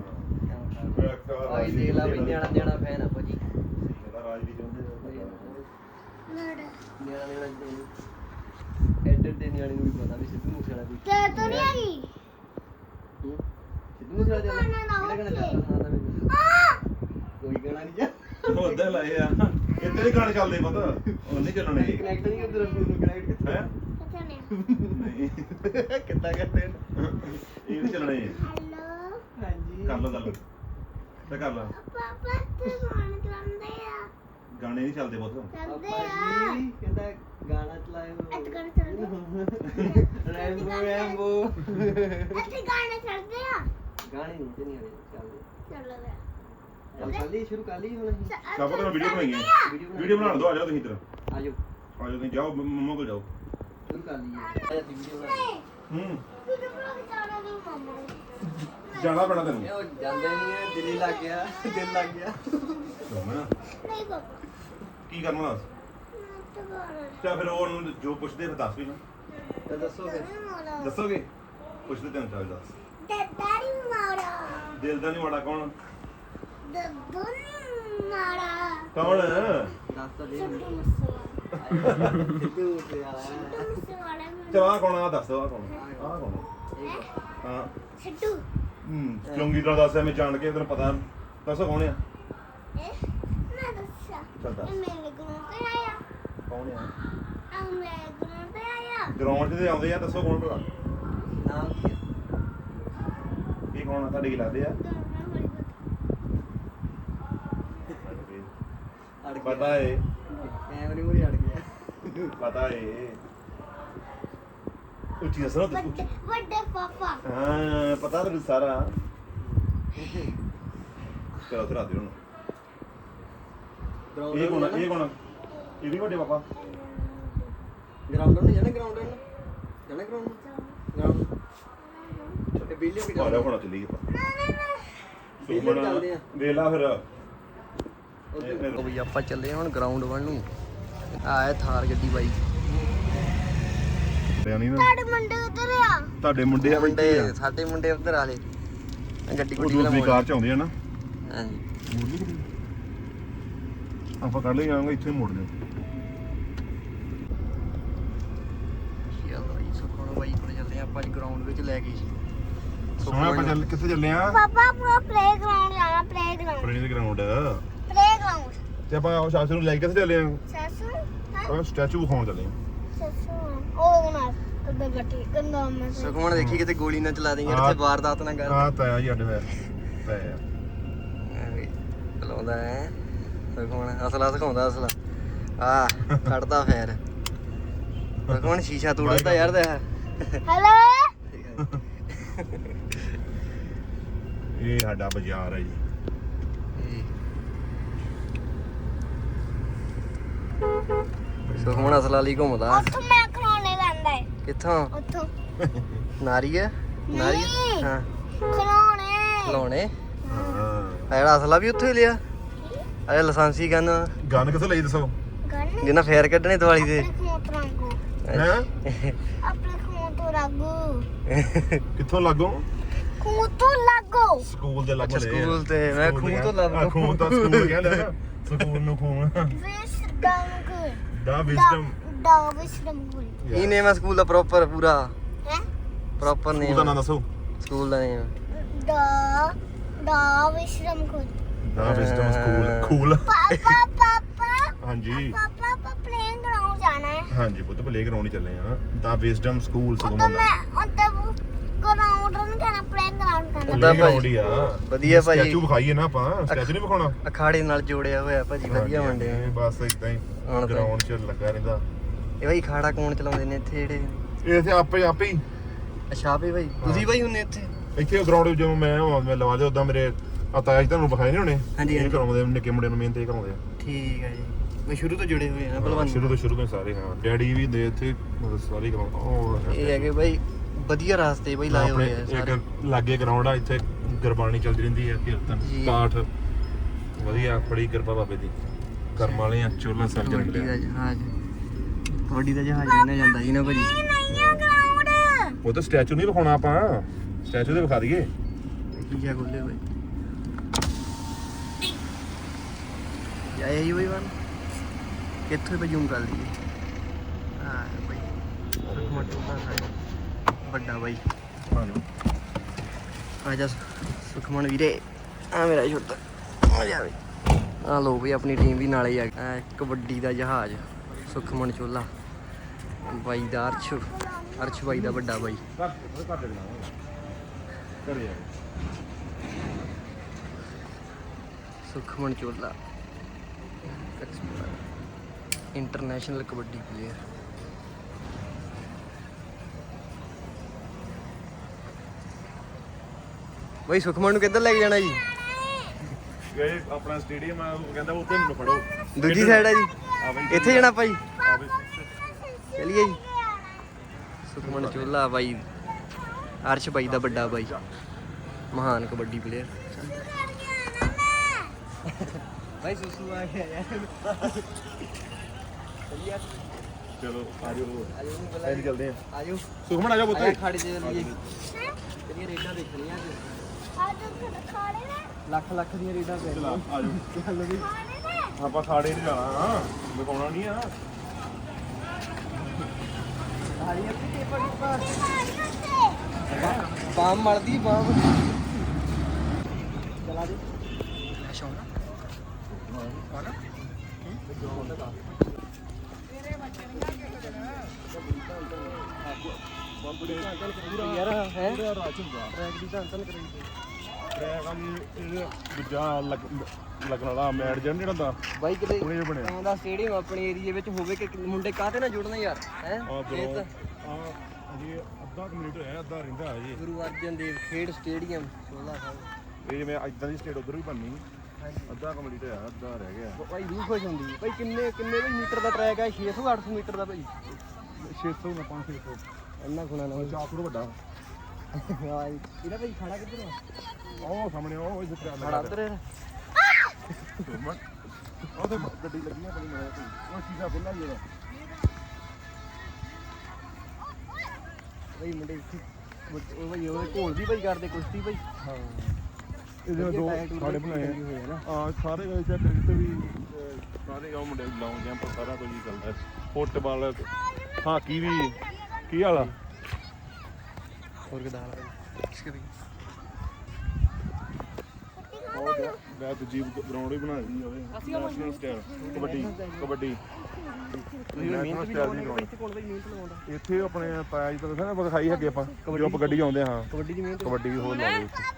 A: ਆਈ ਦੇਖ ਲਾ ਵੀ ਨਿਆਣਾ ਨਿਆਣਾ ਫੈਨ ਆ ਭਾਜੀ
B: ਇਹਦਾ ਰਾਜ ਵੀ ਚਾਹੁੰਦੇ
D: ਲੜ
A: ਨਿਆਣਾ ਨਿਆਣਾ ਐਡਰ ਦੇ ਨਿਆਣੇ ਨੂੰ ਵੀ ਪਤਾ ਵੀ ਸਿੱਧੂ ਮੂਸੇਵਾਲਾ ਕੋਈ
D: ਤੇ ਤਾਂ ਨਹੀਂ ਆ ਗਈ
A: ਹੂੰ? ਸਿੱਧੂ ਮੂਸੇਵਾਲਾ ਚੱਲਦਾ
D: ਗਾਣਾ ਲਾਓ
A: ਕਿਹੜਾ ਗਾਣਾ
D: ਉੱਥੇ।
A: ਚੱਲਦਾ ਨਾ ਮੈਨੂੰ
D: ਆ
A: ਕੋਈ ਗਾਣਾ ਨਹੀਂ ਚੱਲਦਾ
B: ਉਹ ਅੱਧਾ ਲਾਏ ਆ ਇੱਥੇ ਦੇ ਗਾਣੇ ਚੱਲਦੇ ਪਤਾ ਉਹ ਨਹੀਂ ਚੱਲਣੇ
A: ਕਨੈਕਟ ਨਹੀਂ ਉਧਰ ਨੂੰ ਕਨੈਕਟ ਕਿੱਥੇ
B: ਹੈ
D: ਕਿੱਥੇ ਨੇ
B: ਨਹੀਂ
A: ਕਿੱਦਾਂ ਕਰਦੇ ਨੇ
B: ਇਹ ਨਹੀਂ ਚੱਲਣੇ
D: ਹੈਲੋ
A: ਹਾਂਜੀ
B: ਕਰ ਲਓ ਗੱਲ ਤੇ ਕਰ ਲਾ
D: ਪਾਪਾ ਤੇ ਫੋਨ ਕਰਾਉਂਦੇ ਆ
B: ਗਾਣੇ ਨਹੀਂ ਚੱਲਦੇ ਬਹੁਤ
D: ਕਰਦੇ
A: ਪਾਪਾ
D: ਆ
A: ਜੀ ਕਹਿੰਦਾ ਗਾਣਾ ਚਲਾਇਓ
D: ਇੱਥੇ ਗਾਣੇ ਚੱਲਦੇ
A: ਰੈਂਬੋ ਰੈਂਬੋ
D: ਇੱਥੇ ਗਾਣੇ ਚੱਲਦੇ ਆ
A: ਗਾਣੇ ਨਹੀਂ ਤੇ ਨਹੀਂ ਆਲੇ ਚੱਲਦੇ
D: ਚੱਲੋ ਵੇ
A: ਚੱਲ ਚੱਲੀ ਸ਼ੁਰੂ ਕਰ ਲਈ ਹੁਣ ਅਸੀਂ
B: ਸਭ ਤੋਂ ਵੀਡੀਓ ਬਣਾਈਏ ਵੀਡੀਓ ਬਣਾਉਣ ਦੋ ਆ ਜਾਓ ਤੁਸੀਂ ਇੱਧਰ
A: ਆਜੋ
B: ਆ ਜਾਓ ਤੁਸੀਂ ਜਾਓ ਮੰਮਾ ਕੋਲ ਜਾਓ
A: ਸ਼ੁਰੂ ਕਰ ਲਈਏ ਆਜਾ ਵੀਡੀਓ ਬਣਾ ਲਈ
B: ਹੂੰ
D: ਵੀਡੀਓ ਬਣਾ ਕੇ ਜਾਣਾ ਨਹੀਂ ਮੰਮਾ
B: ਜਾਣਾ ਪੈਣਾ ਤੈਨੂੰ
A: ਇਹ ਉਹ ਜਾਂਦੇ ਨਹੀਂ ਹੈ ਦਿਲ ਹੀ ਲੱਗ ਗਿਆ ਦਿਲ ਲੱਗ ਗਿਆ
B: ਸੁਮਨ
D: ਨਹੀਂ ਪਾਪਾ
B: ਕੀ ਕਰਨਾ ਦੱਸ
D: ਮੈਂ ਤਾਂ ਗਾਣਾ
B: ਚਾ ਫਿਰ ਉਹ ਉਹਨੂੰ ਜੋ ਪੁੱਛਦੇ ਫਿਰ ਦੱਸ ਵੀ ਨਾ
A: ਤੇ ਦੱਸੋ ਫਿਰ
D: ਮਾਰਾ
B: ਦੱਸੋਗੇ ਪੁੱਛਦੇ ਤੈਨੂੰ ਚੱਲ ਦੱਸ
D: ਡੈਡੀ ਮਾਰਾ
B: ਦਿਲ ਦਾ ਨਹੀਂ ਮਾੜਾ ਕੌਣ
D: ਦੱਦੂ ਮਾਰਾ
B: ਕੌਣ
A: ਦੱਸ ਤਾਂ ਦੇ
D: ਸਿੱਧੂ ਮੂਸੇਵਾਲਾ
A: ਸਿੱਧੂ ਮੂਸੇਵਾਲਾ
D: ਸਿੱਧੂ ਮੂਸੇਵਾਲਾ
B: ਚਲ ਆ ਕੌਣ ਆ ਦੱਸ ਆ ਕੌਣ ਆ ਕੌਣ
A: ਇਹ
B: ਹਾਂ
D: ਸਿੱਧੂ
B: ਹੂੰ ਚੰਗੀ ਤਰ੍ਹਾਂ ਦੱਸਿਆ ਮੈਂ ਜਾਣ ਕੇ ਤੈਨੂੰ ਪਤਾ ਦੱਸੋ ਕੌਣ ਆ
D: ਇਹ ਨਾ ਦੱਸਿਆ
B: ਚੱਲ ਦੱਸ
D: ਇਹ ਮੇਰੇ ਗਰੋਂ ਤੇ ਆਇਆ
B: ਕੌਣ ਆ
D: ਆ ਮੇਰੇ ਗਰੋਂ ਤੇ ਆਇਆ
B: ਗਰਾਊਂਡ 'ਚ ਤੇ ਆਉਂਦੇ ਆ ਦੱਸੋ ਕੌਣ ਭਲਾ
A: ਨਾਮ ਕੀ ਹੈ
B: ਇਹ ਕੌਣ ਆ ਤੁਹਾਡੇ ਕੀ ਲੱਗਦੇ ਆ
D: ਦੋਨੋਂ ਹੋਲੀ
A: ਅੜ ਗਿਆ
B: ਪਤਾ ਏ
A: ਕੈਮਰੇ ਮੂਰੇ ਅੜ ਗਿਆ
B: ਪਤਾ ਏ ਉੱਚੀ ਦੱਸੋ ਨਾ
D: ਵੱਡੇ ਵੱਡੇ ਪਾਪਾ
B: ਹਾਂ ਪਤਾ ਤੈਨੂੰ ਸਾਰਾ ਚਲੋ ਤੇ ਰਾਤ ਨੂੰ ਇਹ ਕੌਣ ਆ? ਇਹ ਕੌਣ ਆ? ਇਹ ਵੀ ਵੱਡੇ ਪਾਪਾ
A: ਗਰਾਊਂਡ ਨੂੰ ਜਾਣਾ ਗਰਾਊਂਡ ਨੂੰ ਜਾਣਾ ਗਰਾਊਂਡ ਨੂੰ ਗਰਾਊਂਡ ਤੇ ਬਿੱਲੀ ਵੀ
B: ਆਲਾ ਹੋਣਾ ਚੱਲੀਏ
A: ਬਿੱਲੀ ਵੀ ਚੱਲਦੇ ਆ
B: ਵੇਲਾ ਫਿਰ
A: ਉਹ ਵੀ ਆਪਾਂ ਚੱਲੇ ਹੁਣ ਗਰਾਊਂਡ ਵੱਲ ਨੂੰ ਆਏ ਥਾਰ ਗੱਡੀ ਬਾਈ
B: ਨਹੀਂ ਨਾ
D: ਤੁਹਾਡੇ ਮੁੰਡੇ ਉਧਰ ਆ
B: ਤੁਹਾਡੇ ਮੁੰਡੇ ਆ
A: ਮੁੰਡੇ ਸਾਡੇ ਮੁੰਡੇ ਉੱਧਰ ਆਲੇ ਗੱਡੀ
B: ਉਹ
A: ਗੁੱਡੀ
B: ਦੂਸਰੀ ਕਾਰ ਚ ਆਉਂਦੇ ਆ ਨਾ
A: ਹਾਂਜੀ
B: ਮੋੜ ਲਈ ਗੱਡੀ ਆਪਾਂ ਕੱਢ ਲਈ ਜਾਵਾਂਗੇ ਇੱਥੇ ਮੋੜ ਲਿਓ
A: ਚਲੋ ਜੀ ਸੁਖਮਣ ਬਾਈ ਕੋਲ ਚੱਲਦੇ ਆ ਆਪਾਂ ਅੱਜ ਗਰਾਊਂਡ ਵਿੱਚ ਲੈ ਗਏ ਸੀ
B: ਸੋਹਣਾ ਆਪਾਂ ਚੱਲ ਕਿੱਥੇ ਚੱਲੇ ਆ
D: ਪਾਪਾ ਪੂਰਾ ਪਲੇਗਰਾਉਂਡ ਜਾਣਾ ਪਲੇਗਰਾਉਂਡ
B: ਪੁਰਾਣੇ ਦੇ ਗਰਾਊਂਡ
D: ਪਲੇਗਰਾਉਂਡ
B: ਤੇ ਆਪਾਂ ਉਹ ਸ਼ਾਸਤਰ ਨੂੰ ਲੈ ਕੇ ਕਿੱਥੇ ਚੱਲੇ ਆ
D: ਸੱਸੂ
B: ਆਪਾਂ ਸਟੈਚੂ ਵਿਖਾਉਣ ਚੱਲੇ ਆ
D: ਸੱਸੂ ਉਹ ਨਾ ਕਦੇ ਬੱਟੀ ਗੰਦਾ ਮੈਂ
A: ਸੁਖਮਣ ਦੇਖੀ ਕਿਤੇ ਗੋਲੀ ਨਾ ਚਲਾ ਦੇ ਯਾਰ ਇੱਥੇ ਵਾਰਦਾਤ ਨਾ ਕਰ
B: ਹਾਂ ਤਾਇਆ ਜੀ ਅੱਡ ਹੋਇਆ ਤਾਇਆ
A: ਚਲਾਉਂਦਾ ਹੈ ਸੁਖਮਣ ਅਸਲਾ ਸਿਖਾਉਂਦਾ ਅਸਲਾ ਆ ਕੱਢਦਾ ਫੇਰ ਸੁਖਮਣ ਸ਼ੀਸ਼ਾ ਤੋੜਦਾ ਯਾਰ ਦਾ
D: ਹੈਲੋ
B: ਇਹ ਸਾਡਾ ਬਾਜ਼ਾਰ ਹੈ ਜੀ
A: ਸੁਖਮਣ ਅਸਲਾ ਲਈ ਘੁੰਮਦਾ
D: ਉੱਥੋਂ ਮੈਂ ਖਲੋਣੇ ਲੈਂਦਾ ਹੈ
A: ਕਿੱਥੋਂ
D: ਉੱਥੋਂ
A: ਨਾਰੀ ਹੈ ਨਾਰੀ
D: ਨਹੀਂ।
A: ਹਾਂ
D: ਖਲੋਣੇ
A: ਖਲਾਉਣੇ
B: ਹਾਂ
A: ਆ ਜਿਹੜਾ ਅਸਲਾ ਵੀ ਉੱਥੇ ਹੀ ਲਿਆ ਅਰੇ ਲਾਇਸੈਂਸੀ ਗਨ
B: ਗਨ ਕਿੱਥੋਂ ਲਈ ਦੱਸੋ
D: ਗਨ
A: ਜਿਹਨਾਂ ਫੇਰ ਕੱਢਣੇ ਦਿਵਾਲੀ ਦੇ
D: ਆਪਣੇ ਖੂਨ ਤੋਂ ਰੰਗੂ
B: ਹੈ
D: ਆਪਣੇ ਖੂਨ ਤੋਂ ਰੰਗੂ
B: ਕਿੱਥੋਂ ਲੱਗੋ
D: ਖੂਨ ਤੋਂ ਲੱਗੋ
B: ਸਕੂਲ ਦੇ ਲੱਗ
A: ਅੱਛਾ, ਸਕੂਲ ਤੇ, ਮੈਂ ਖੂਨ ਤੋਂ ਲੱਗੋ।
B: ਖੂਨ ਤਾਂ ਸਕੂਲ ਕਹਿੰਦਾ ਨਾ ਸਕੂਲ ਨੂੰ ਖੂਨ
D: ਵਿਸਡਮ ਗੁੱਡ
B: ਦਾ ਵਿਜ਼ਡਮ
D: ਦਾ ਵਿਸਡਮ ਗੁੱਡ
A: ਕੀ ਨੇਮ ਹੈ ਸਕੂਲ ਦਾ ਪ੍ਰੋਪਰ ਪੂਰਾ
D: ਹੈ
A: ਪ੍ਰੋਪਰ
B: ਸਕੂਲ ਦਾ
A: ਨੇਮ
B: ਨਾਮ ਦੱਸੋ
A: ਸਕੂਲ ਦਾ ਨੇਮ
D: ਦਾ ਦਾ ਵਿਸਡਮ ਗੁੱਡ
B: ਦਾ ਵਿਜ਼ਡਮ ਸਕੂਲ ਖੂਲ
D: ਪਾਪਾ ਪਾਪਾ
B: ਹਾਂਜੀ
D: ਪਾਪਾ ਆਪਾਂ ਪਲੇਇੰਗ ਗਰਾਊਂਡ ਜਾਣਾ ਹੈ
B: ਹਾਂਜੀ ਪੁੱਤ ਪਲੇ ਗਰਾਊਂਡ ਹੀ ਚੱਲੇ ਆ ਦਾ ਵਿਜ਼ਡਮ ਸਕੂਲ
D: ਉੱਤੇ
B: ਸਗੋਂ
D: ਮੈਂ ਉੱਤੇ ਗਰਾਊਂਡ ਨੂੰ ਕਹਿਣਾ ਪਲੇਇੰਗ ਗਰਾਊਂਡ
A: ਉੱਦਾਂ
D: ਕਰਨਾ
B: ਪਲੇ ਗਰਾਊਂਡ
A: ਭਾਜੀ।
B: ਹੀ ਆ
A: ਵਧੀਆ ਭਾਜੀ।
B: ਸਟੈਚੂ ਵਿਖਾਈਏ ਨਾ ਆਪਾਂ ਸਟੈਚੂ ਨਹੀਂ ਵਿਖਾਉਣਾ
A: ਅਖਾੜੇ ਨਾਲ ਜੋੜਿਆ ਹੋਇਆ ਭਾਜੀ ਵਧੀਆ
B: ਹਾਂਜੀ,
A: ਮੰਡੇ
B: ਹਾਂਜੀ, ਬਸ ਇਦਾਂ ਹੀ
A: ਹੁਣ ਤਾਂ-
B: ਗਰਾਊਂਡ 'ਚ ਲੱਗਾ ਰਹਿੰਦਾ
A: ਇਹ ਭਾਈ ਖਾੜਾ ਕੌਣ ਚਲਾਉਂਦੇ ਨੇ ਇੱਥੇ ਜਿਹੜੇ
B: ਇਹ ਇੱਥੇ ਆਪੇ ਆਪੇ ਹੀ
A: ਅੱਛਾ ਵੀ ਭਾਈ ਤੁਸੀਂ ਭਾਈ ਹੁੰਨੇ ਇੱਥੇ
B: ਇੱਥੇ ਗਰਾਊਂਡ ਜਦੋਂ ਮੈਂ ਹਾਂ, ਮੈਂ ਲਵਾ ਲਿਆ ਉਦਾਂ ਮੇਰੇ ਆਤਾ ਜੀ ਤੁਹਾਨੂੰ ਵਿਖਾਏ ਨਹੀਂ ਹੋਣੇ
A: ਹਾਂਜੀ,
B: ਇਹ
A: ਹਾਂਜੀ।
B: ਕਰਾਉਂਦੇ ਆ, ਨਿੱਕੇ ਮੁੰਡੇ ਨੂੰ ਮਿਹਨਤ ਇਹ ਕਰਾਉਂਦੇ ਆ
A: ਠੀਕ ਹੈ ਜੀ ਮੈਂ ਸ਼ੁਰੂ ਤੋਂ ਜੁੜੇ ਹੋਏ ਆ
B: ਹਾਂ,
A: ਭਲਵਾਨ
B: ਸ਼ੁਰੂ ਤੋਂ ਸ਼ੁਰੂ ਤੋਂ ਹੀ ਸਾਰੇ ਹਾਂ ਡੈਡੀ ਵੀ ਦੇ ਇੱਥੇ ਮਤਲਬ ਸਾਰੇ ਕਰਾਉਂਦੇ ਉਹ
A: ਇਹ ਹੈਗੇ ਭਾਈ ਵਧੀਆ ਰਾਸਤੇ ਭਾਈ ਲਾਏ
B: ਆਪਣੇ
A: ਹੋਏ ਆ ਸਾਰੇ
B: ਇੱਕ ਲਾਗੇ ਗਰਾਊਂਡ ਆ ਇੱਥੇ ਗੁਰਬਾਣੀ ਚੱਲਦੀ ਰਹਿੰਦੀ ਹੈ ਕੀਰਤਨ
A: ਜੀ।
B: ਪਾਠ ਵਧੀਆ ਬੜੀ ਕਿਰਪਾ ਬਾਬੇ ਦੀ ਕਰਮ ਵਾਲੇ ਆ ਚੋਲਾ ਸਰਜਣ
A: ਕਬੱਡੀ ਦਾ
B: ਮਿਲਿਆ
A: ਜਹਾਜ਼ ਕਬੱਡੀ ਦਾ ਜਹਾਜ਼ ਮੰਨਿਆ ਜਾਂਦਾ ਜੀ ਨਾ ਭਾਜੀ
D: ਇਹ ਨਹੀਂ ਆ ਗਰਾਊਂਡ
B: ਉਹ ਤਾਂ ਸਟੈਚੂ ਨਹੀਂ ਵਿਖਾਉਣਾ ਆਪਾਂ ਸਟੈਚੂ ਤੇ ਵਿਖਾ ਦਈਏ
A: ਕੀਆ ਖੋਲੇ ਭਾਈ ਜਾਏ ਜੀ ਭਾਈ ਵਨ ਕਿੱਥੋਂ ਭਾਈ ਜ਼ੂਮ ਕਰ ਲਈਏ ਹਾਂ ਭਾਈ ਮੋਟਾ ਸਾਈਜ਼ ਵੱਡਾ ਭਾਈ ਆ ਜਾ ਸੁਖਮਨ ਵੀਰੇ ਆ ਮੇਰਾ ਛੋਟਾ ਆ ਜਾ ਬਈ ਆ ਲੋ ਵੀ ਆਪਣੀ ਟੀਮ ਵੀ ਨਾਲੇ ਆ ਆ ਕਬੱਡੀ ਦਾ ਜਹਾਜ਼ ਸੁਖਮਨ ਚੋਲਾ ਬਾਈ ਦਾ ਅਰਸ਼ ਅਰਸ਼ ਬਾਈ ਦਾ ਵੱਡਾ ਬਾਈ ਸੁਖਮਨ ਚੋਲਾ ਇੰਟਰਨੈਸ਼ਨਲ ਕਬੱਡੀ ਪਲੇਅਰ ਬਾਈ ਸੁਖਮਨ ਨੂੰ ਕਿੱਧਰ ਲੈ ਕੇ ਜਾਣਾ ਜੀ
B: ਗਏ ਆਪਣਾ ਸਟੇਡੀਅਮ ਆ ਉਹ ਕਹਿੰਦਾ ਉੱਥੇ ਮੈਨੂੰ ਫੜੋ
A: ਦੂਜੀ ਸਾਈਡ ਹੈ ਜੀ
B: ਆ ਬਈ
A: ਇੱਥੇ ਜਾਣਾ ਭਾਈ
B: ਆ ਬਈ
A: ਚਲੀਏ ਜੀ ਸੁਖਮਨ ਚੋਲਾ ਬਾਈ ਅਰਸ਼ ਬਾਈ ਦਾ ਵੱਡਾ ਬਾਈ ਮਹਾਨ ਕਬੱਡੀ ਪਲੇਅਰ ਭਾਈ ਸੁਸੂ ਆ ਗਿਆ ਯਾਰ
B: ਚਲੋ ਆ ਜਾਓ
A: ਆਜੋ ਨੂੰ
B: ਐਂ ਚੱਲਦੇ ਆ
A: ਆਜੋ
B: ਸੁਖਮਨ ਆ ਜਾ
A: ਆਇਆ
B: ਪੁੱਤ
A: ਖੜ ਜੇ ਲਈਏ ਤੇਰੀਆਂ ਰੇਡਾਂ ਦੇਖਣੀਆਂ ਅੱਜ
D: ਆ ਤੂੰ ਖਾਣੇ ਨੇ
A: ਲੱਖ ਲੱਖ ਦੀਆਂ ਰੇਡਾਂ ਪੈ
B: ਚਲਾ ਆ ਜਾਓ
A: ਚੱਲ ਵੀ
D: ਖਾਣੇ ਨੇ
B: ਆਪਾਂ ਖਾੜੇ ਨਹੀਂ ਜਾਣਾ ਹਾਂ ਵਿਖਾਉਣਾ ਨਹੀਂ ਆ
A: ਸਾਰੀ ਅੱਧੀ ਪੇਪਰ ਪੇਪਰ
D: ਖਾਣੇ ਉੱਤੇ
A: ਬਾਮ ਮਲਦੀ ਬਾਮ ਚਲਾ ਦੇ ਸ਼ੌਂਕ ਆਣਾ ਯਾਰ ਹੈ ਟਰੈਕ ਦੀ ਤਾਂ ਅੰਤਨ ਕਰੀ
B: ਟਰੈਕ ਆ ਇਹ ਦੂਜਾ ਲੱਗਣ ਵਾਲਾ ਮੈਟ ਜਿਹੜਾ ਨਹੀਂ ਹੁੰਦਾ
A: ਬਾਈ ਕਿਤੇ
B: ਉਹਨੇ ਜੋ ਬਣਿਆ
A: ਐਂ ਦਾ ਸਟੇਡੀਅਮ ਆਪਣੇ ਏਰੀਏ ਵਿੱਚ ਹੋਵੇ ਕਿ ਮੁੰਡੇ ਕਾਹਤੇ ਨਾ ਜੁੜਨ ਯਾਰ ਹੈ
B: ਆ
A: ਇਹ
B: ਬਰੋ
A: ਤਾਂ
B: ਆ ਅਜੇ ਅੱਧਾ ਮਿੰਟ ਹੋਇਆ ਅੱਧਾ ਰਹਿੰਦਾ ਅਜੇ
A: ਗੁਰੂ ਅਰਜਨ ਦੇਵ ਖੇਡ ਸਟੇਡੀਅਮ ਚੋਲਾ ਸਾਹਿਬ
B: ਇਹ ਜਿਵੇਂ ਇਦਾਂ ਦੀ ਸਟੇਟ ਉਧਰ ਵੀ ਬਣਨੀ
A: ਹਾਂਜੀ
B: ਅੱਧਾ ਕੰਪਲੀਟ ਹੋਇਆ ਅੱਧਾ ਰਹਿ ਗਿਆ
A: ਭਾਈ ਰੂਹ ਖੁਸ਼ ਹੁੰਦੀ ਭਾਈ ਕਿੰਨੇ ਕਿੰਨੇ ਵੀ ਮੀਟਰ ਦਾ ਟਰੈਕ ਹੈ ਛੇ ਸੌ ਅੱਠ ਸੌ ਮੀਟਰ ਦਾ ਭਾਈ
E: ਛੇ ਸੌ ਨਾ ਪੰਜ ਸੌ
A: ਇੰਨਾ ਖੁਣਾ ਨਾ
E: ਚਾਰ ਫੁੱਟ ਵੱਡਾ
A: ਇਹਦਾ ਭਾਈ ਖਾਣਾ ਕਿੱਧਰ ਆ
E: ਉਹ ਸਾਹਮਣੇ ਉਹ ਜਿੱਥੇ ਆ
A: ਖਾਣਾ ਉੱਧਰ ਹੈ
E: ਉਹ ਤੇ ਗੱਡੀ ਲੱਗੀ ਆ ਬੜੀ ਮਜ਼ਾ ਕੋਈ ਉਹ ਸ਼ੀਸ਼ਾ ਖੁੱਲਾ ਹੀ ਇਹਦਾ
A: ਭਾਈ ਮੁੰਡੇ ਇੱਥੇ ਉਹ ਭਾਈ ਉਹ ਘੋਲ ਦੀ ਭਾਈ ਕਰਦੇ ਕੁਸ਼ਤੀ ਭਾਈ
E: ਹਾਂ ਇਹਦੇ ਦੋ
A: ਟਾਇਰ ਟੂਰ
E: ਸਾਡੇ
A: ਲੱਗੇ
E: ਬਣਾਏ
A: ਹੋਏ ਆ ਨਾ।
E: ਆ ਸਾਰੇ ਗਏ ਚੈੱਕ ਤੇ ਵੀ ਅਹ, ਸਾਰੇ ਉਹ ਮੁੰਡੇ ਲਾਉਂ ਜੰਪ ਸਾਰਾ ਕੁਝ ਹੀ ਚੱਲਦਾ ਫੁੱਟਬਾਲ ਹਾਕੀ ਵੀ ਕੀ ਹਾਲ ਆ
A: ਹੋਰ ਕਿਦਾਂ ਹਾਲ ਭਾਈ ਇਸਕੇ ਵੀ
E: ਉਹ ਮੈਂ ਦੂਜੀ ਗਰਾਊਂਡ ਹੀ ਬਣਾ ਦਿੱਤੀ ਉਹਦੇ ਨੈਸ਼ਨਲ ਸਟਾਈਲ ਕਬੱਡੀ ਕਬੱਡੀ
A: ਤੁਸੀਂ
E: National
A: ਮਿਹਨਤ ਵੀ
E: style ਦੀ
A: ਲਾਉਂਦੇ
E: ground।
A: ਇੱਥੇ ਕੋਲ ਭਾਈ ਮਿਹਨਤ ਲਾਉਂਦਾ
E: ਇੱਥੇ ਆਪਣੇ ਪਾਇਆ ਜੀ ਤਾਂ ਦੱਸਿਆ ਨਾ ਆਪਾਂ ਖਾਈ ਹੈਗੇ ਆਪਾਂ ਜੋ ਆਪਾਂ ਗੱਡੀ ਆਉਂਦੇ ਹਾਂ
A: ਕਬੱਡੀ ਦੀ ਮਿਹਨਤ
E: ਕਬੱਡੀ ਵੀ ਹੋਰ ਲਾ ਲਓ ਇੱਥੇ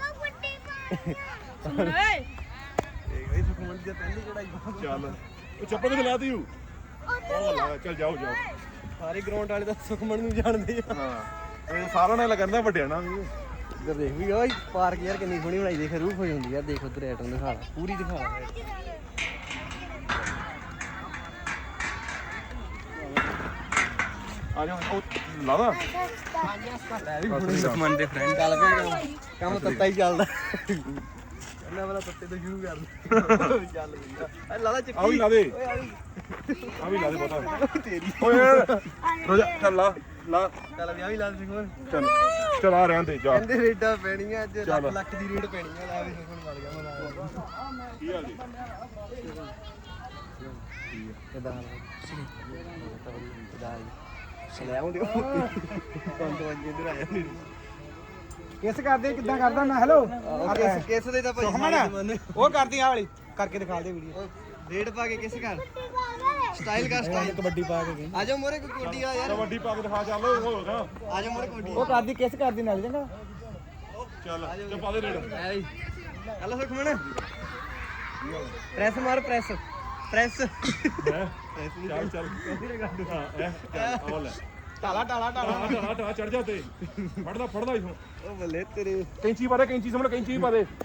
A: ਇਹ ਸੁਖਮਨ ਦੀ ਪਹਿਲੀ ਚੜਾਈ
E: ਚੱਲ ਉਹ ਚੱਪਲ ਕਿੱਥੇ ਲਾਤੀ ਹੂ ਉਹ ਲਾ ਚੱਲ ਜਾਓ ਜਾਓ
A: ਸਾਰੇ ਗਰਾਊਂਡ ਵਾਲੇ ਤਾਂ ਸੁਖਮਨ ਨੂੰ ਜਾਣਦੇ ਆ
E: ਹਾਂ ਇਹ ਸਾਰਿਆਂ ਨੇ ਲੱਗਦਾ ਵੱਡਿਆਂ ਨਾਲ ਵੀ
A: ਇੱਧਰ ਦੇਖ ਵੀ ਓਏ ਪਾਰਕ ਯਾਰ ਕਿੰਨੀ ਸੋਹਣੀ ਬਣਾਈ ਦੇਖ ਰੂਹ ਹੋ ਜਾਂਦੀ ਯਾਰ ਦੇਖ ਉਧਰ ਐਟਮ ਦਿਖਾ ਲਾ ਪੂਰੀ ਦਿਖਾ ਲਾ
E: ਆ ਜਾ ਉਹ ਲਾਦਾ
A: ਲੈ ਵੀ ਹੁਣ
C: ਸੁਖਮਨ ਦੇ ਫਰੈਂਡ
A: ਚੱਲ ਪਿਆ ਕੰਮ ਤੱਤਾ ਹੀ ਚੱਲਦਾ ਇਹਨਾਂ ਵਾਲਾ ਤੱਤੇ ਤੋਂ ਸ਼ੁਰੂ ਕਰ ਲੈ ਚੱਲ ਵੀ ਆ ਲਾਲਾ ਚੱਕੀ
E: ਆ ਵੀ ਲਾ ਦੇ
A: ਓਏ ਆ ਵੀ
E: ਆ ਵੀ ਲਾ ਦੇ ਪਤਾ
A: ਤੇਰੀ
E: ਓਏ ਰੋਜਾ ਚੱਲ ਲਾ ਲਾ
A: ਚੱਲ ਵੀ ਆ ਵੀ ਲਾ ਦੇ ਸੁਖਮਨ
E: ਚੱਲ ਚਲ ਆ ਰਹਿਣ ਦੇ ਜਾ
A: ਕਹਿੰਦੇ ਰੇਡਾਂ ਪੈਣੀਆਂ ਅੱਜ ਲੱਖ
E: ਚੱਲ।
A: ਲੱਖ ਦੀ ਰੇਡ ਪੈਣੀ ਆ ਲੈ ਵੀ ਸੁਖਮਨ ਮਰ ਗਿਆ ਮਨਾ
E: ਕੀ ਹਾਲ ਜੀ
A: ਕਿਦਾਂ ਹਾਲ ਕਿਦਾਂ ਲੈ ਆਉਂਦੇ ਪੰਜ ਵਜੇ ਇੱਧਰ ਆਇਆ ਨਹੀਂ
F: ਕਿਸ ਕਰਦੇ ਕਿੱਦਾਂ ਕਰਦਾ ਮੈਂ ਹੈਲੋ
A: ਕਿਸ ਕਿਸ ਦੇ ਤਾਂ ਭਾਈ ਸਾਰੇ ਜ਼ਮਾਨੇ
F: ਉਹ ਕਰਦੀ ਆ ਵਾਲੀ ਕਰਕੇ ਦਿਖਾ ਦੇ ਵੀਡੀਓ
A: ਰੇਡ ਪਾ ਕੇ ਕਿਸ ਕਰ ਸਟਾਈਲ ਕਰ ਸਟਾਈਲ
F: ਕਬੱਡੀ ਪਾ ਕੇ ਗਈ
A: ਆ ਜਾ ਮੋਰੇ ਕੋਈ ਕੋਡੀ ਆ ਯਾਰ
E: ਕਬੱਡੀ ਪਾ ਕੇ ਦਿਖਾ ਚੱਲ ਹੋਗਾ
A: ਆ ਜਾ ਮੋਰੇ ਕੋਡੀ
F: ਉਹ ਕਰਦੀ ਕਿਸ ਕਰਦੀ ਨਾਲ ਚੰਗਾ
E: ਚੱਲ ਚੱਲ ਪਾ ਦੇ ਰੇਡ
A: ਐ ਹਲੋ ਸੁਖਮਨ ਪ੍ਰੈਸ ਮਾਰ ਪ੍ਰੈਸ ਪ੍ਰੈਸ
E: ਹੈ ਚੱਲ ਚੱਲ ਹਾਂ ਇਹ ਚੱਲ ਆ ਲੈ
F: ਟਾਲਾ ਟਾਲਾ ਟਾਲਾ
E: ਟਾ ਟਾ ਚੜ ਜਾ ਤੇ ਫੜਦਾ ਫੜਦਾ ਇਥੋਂ
A: ਉਹ ਬੱਲੇ ਤੇਰੇ
E: ਕੈਂਚੀ ਪਾ ਦੇ ਕੈਂਚੀ ਸਾਹਮਣੇ ਕੈਂਚੀ ਪਾ ਦੇ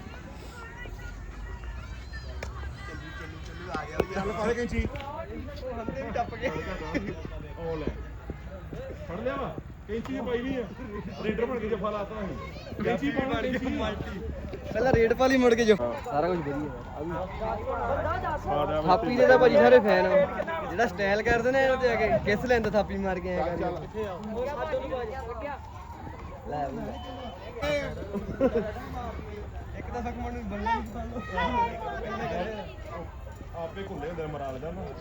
E: ਚੱਲ ਪਾ ਦੇ ਕੈਂਚੀ
A: ਹੰਦੇ ਵੀ ਟੱਪ ਗਏ
E: ਉਹ ਲੈ ਫੜ ਲਿਆ ਵਾ ਕੈਂਚੀ ਪਾਈ ਨਹੀਂ ਆ ਰੇਡਰ ਬਣ ਕੇ ਜਫਾ ਲਾਤਾ ਅਸੀਂ ਕੈਂਚੀ ਪਾਉਣਾ ਕੈਂਚੀ
A: ਪਹਿਲਾਂ ਰੇਡ ਪਾ ਲਈ ਮੁੜ ਕੇ ਜੋ ਸਾਰਾ ਕੁਝ ਵਧੀਆ
E: ਸਾਡਾ
A: ਥਾਪੀ ਦੇ ਤਾਂ ਭਾਜੀ ਸਾਰੇ ਫੈਨ ਆ ਜਿਹੜਾ ਸਟਾਈਲ ਕਰਦੇ ਨੇ ਇਹਦੇ ਆ ਕੇ ਕਿਸ ਲੈਂਦਾ ਥਾਪੀ ਮਾਰ ਕੇ ਆਇਆ ਕਰ ਲੈ ਵੀ ਲੈ। ਇੱਕ ਤਾਂ ਸੁਖਮਨ ਨੂੰ ਬੰਦਾ ਨਹੀਂ ਪਸੰਦ
E: ਆਪੇ ਘੁੰਡੇ ਹੁੰਦੇ ਮਰਾ ਲਗਾ ਨਾ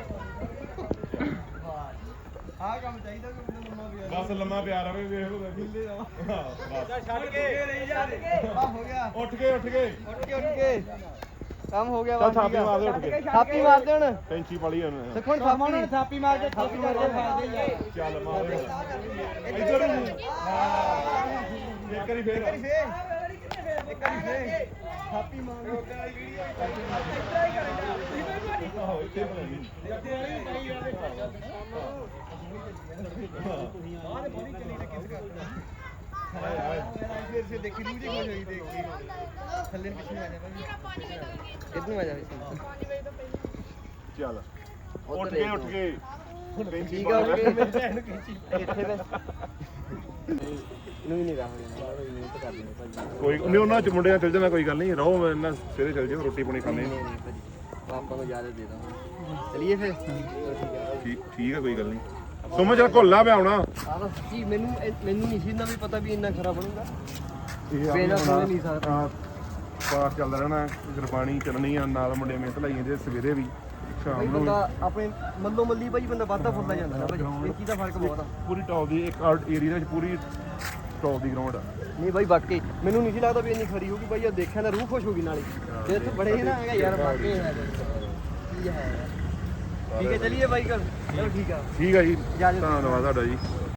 A: ਆਹ ਕੰਮ ਚਾਹੀਦਾ ਕਿ ਬੰਦਾ ਲੰਮਾ ਵੀ
E: ਬਸ ਲੰਮਾ ਪਿਆ ਰਵੇ ਵੇਖ ਲੋ
A: ਮਿਲਦੇ ਆ
E: ਹਾਂ ਬਸ
A: ਛੱਡ ਕੇ ਨਹੀਂ ਜਾਂਦੇ ਆ ਹੋ ਗਿਆ
E: ਉੱਠ ਕੇ ਉੱਠ ਕੇ
A: ਉੱਠ ਕੇ ਉੱਠ ਕੇ ਕੰਮ ਹੋ ਗਿਆ
E: ਚੱਲ ਥਾਪੀ ਮਾਰ ਦੇ ਉੱਠ ਕੇ
A: ਥਾਪੀ ਮਾਰਦੇ ਹੁਣ
E: ਕੈਂਚੀ ਵਾਲੀ ਉਹਨੇ
A: ਸੁਖਮਨ ਥਾਪੀ ਨੂੰ ਥਾਪੀ ਮਾਰ ਕੇ ਥਾਪੀ ਮਾਰ ਕੇ
E: ਚੱਲ ਮਾਰ ਦੇ ਇੱਧਰ ਨੂੰ ਇੱਕ ਵਾਰੀ ਫੇਰ
A: ਇੱਕ ਵਾਰੀ ਫੇਰ ਥਾਪੀ ਮਾਰ
E: ਆਹੋ ਇੱਥੇ ਬਣਾਈ
A: ਫਿਰ ਫਿਰ ਦੇਖੀ ਰੂਹ ਜੀ ਖੁਸ਼ ਹੋਈ ਦੇਖ ਕੇ ਥੱਲੇ ਪਿੱਛੇ ਆ ਜਾ ਭਾਜੀ ਕਿੱਧਰ ਆ ਜਾ
E: ਚੱਲ ਉੱਠ ਕੇ ਉੱਠ ਕੇ ਕੈਂਚੀ
A: ਠੀਕ ਆ ਓਕੇ ਮੇਰੇ ਭੈਣ ਨੂੰ ਖਿੱਚੀ ਇੱਥੇ ਬਸ ਨੂੰ ਹੀ ਨਹੀਂ ਰਹਾ ਮਿਹਨਤ ਕਰਦੀ ਨੇ ਭਾਜੀ
E: ਕੋਈ ਨਹੀਂ ਉਹਨਾਂ ਚ ਮੁੰਡਿਆਂ ਚੱਲ ਜਾਣਾ ਕੋਈ ਗੱਲ ਨਹੀਂ ਰਹੋ ਇਹਨਾਂ ਸਵੇਰੇ ਚੱਲ ਜਾਓ ਰੋਟੀ ਪਾਣੀ ਖਾਣੇ
A: ਨਹੀਂ ਨਹੀਂ ਭਾਜੀ ਪਾਪਾ ਨੂੰ ਇਜਾਜ਼ਤ ਦੇ ਦਾਂ ਚਲਿਏ ਫਿਰ
E: ਠੀਕ ਠੀਕ ਹੈ ਕੋਈ ਗੱਲ ਨਹੀਂ ਤੁਮ ਜਰਾ ਘੋਲਣਾ ਪਿਆ ਆਉਣਾ
A: ਆਹ ਤਾਂ ਸੱਚੀ ਮੈਨੂੰ ਇਹ- ਮੈਨੂੰ ਨਹੀਂ ਸੀ ਨਾ ਵੀ ਪਤਾ ਵੀ ਇੰਨਾ ਖਰਾ ਬਣੂਗਾ
E: ਇਹ
A: ਬਿਨਾਂ ਸੁਣੇ ਨਹੀਂ ਸਕਦਾ।
E: ਪਾਠ ਚੱਲਦਾ ਰਹਿਣਾ ਗੁਰਬਾਣੀ ਚੱਲਣੀ ਆ ਨਾਲ ਮੁੰਡੇ ਮਿਹਨਤ ਲਾਈ ਜਾਂਦੇ ਸਵੇਰੇ ਵੀ ਸ਼ਾਮ
A: ਭਾਈ
E: ਨੂੰ
A: ਬੰਦਾ ਆਪਣੇ ਮੱਲੋ ਮੱਲੀ ਭਾਈ ਬੰਦਾ ਵਾਧਾ ਫੁੱਲਦਾ ਜਾਂਦਾ ਨਾ ਭਾਈ ਇਹ ਚੀਜ਼ ਦਾ ਫਰਕ ਬਹੁਤ ਆ
E: ਪੂਰੀ ਟੌਪ ਦੀ ਇੱਕ ਏਰੀਆ ਵਿੱਚ ਪੂਰੀ ਟੌਪ ਦੀ ਗਰਾਊਂਡ ਆ
A: ਨਹੀਂ ਭਾਈ ਵਾਕਈ ਮੈਨੂੰ ਨਹੀਂ ਸੀ ਲੱਗਦਾ ਵੀ ਇੰਨੀ ਖਰੀ ਹੋਊਗੀ ਭਾਈ ਆ ਦੇਖਿਆ ਨਾ ਰੂਹ ਖੁਸ਼ ਹੋ ਗਈ ਨਾਲੇ ਤੇ ਇੱਥੇ ਬੜੇ ਹੀ ਨਾ ਹੈਗਾ ਯਾਰ ਵਾਕਈ ਹੈ ਕੀ ਹੈ ਠੀਕ ਹੈ ਚਲਿਏ ਬਾਈ ਕਰ ਚਲੋ ਠੀਕ ਆ
E: ਠੀਕ ਹੈ ਜੀ
A: ਇਜਾਜ਼ਤ।
E: ਧੰਨਵਾਦ ਤੁਹਾਡਾ ਜੀ